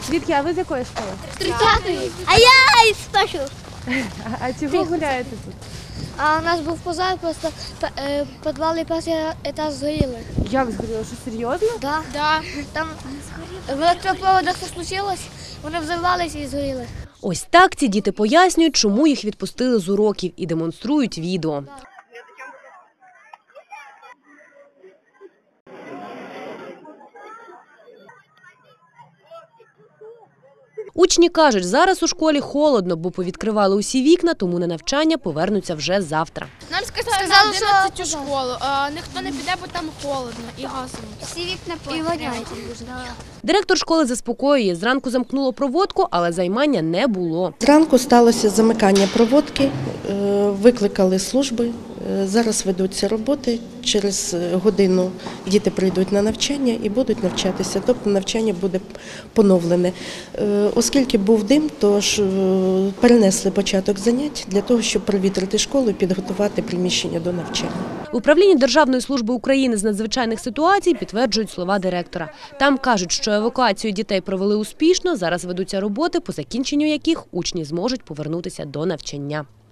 Звідки? А ви з якої школи? З 30-ї. А я із першого. А чого гуляєте тут? А у нас був пожар, просто підвал і перший етаж згоріли. Як згоріло? Що, серйозно? Да. Там в електропроводах все случилось, вони взорвалися і згоріли. Ось так ці діти пояснюють, чому їх відпустили з уроків і демонструють відео. Учні кажуть, зараз у школі холодно, бо повідкривали усі вікна, тому на навчання повернуться вже завтра. Нам сказали на 11 у школу, а ніхто не піде, бо там холодно і газово. Всі вікна воняють. Директор школи заспокоює, зранку замкнуло проводку, але займання не було. Зранку сталося замикання проводки, викликали служби, зараз ведуться роботи, через годину діти прийдуть на навчання і будуть навчатися, тобто навчання буде поновлене. Оскільки був дим, тож перенесли початок занять для того, щоб провітрити школу і підготувати приміщення до навчання. В управлінні Державної служби України з надзвичайних ситуацій підтверджують слова директора. Там кажуть, що евакуацію дітей провели успішно, зараз ведуться роботи, по закінченню яких учні зможуть повернутися до навчання.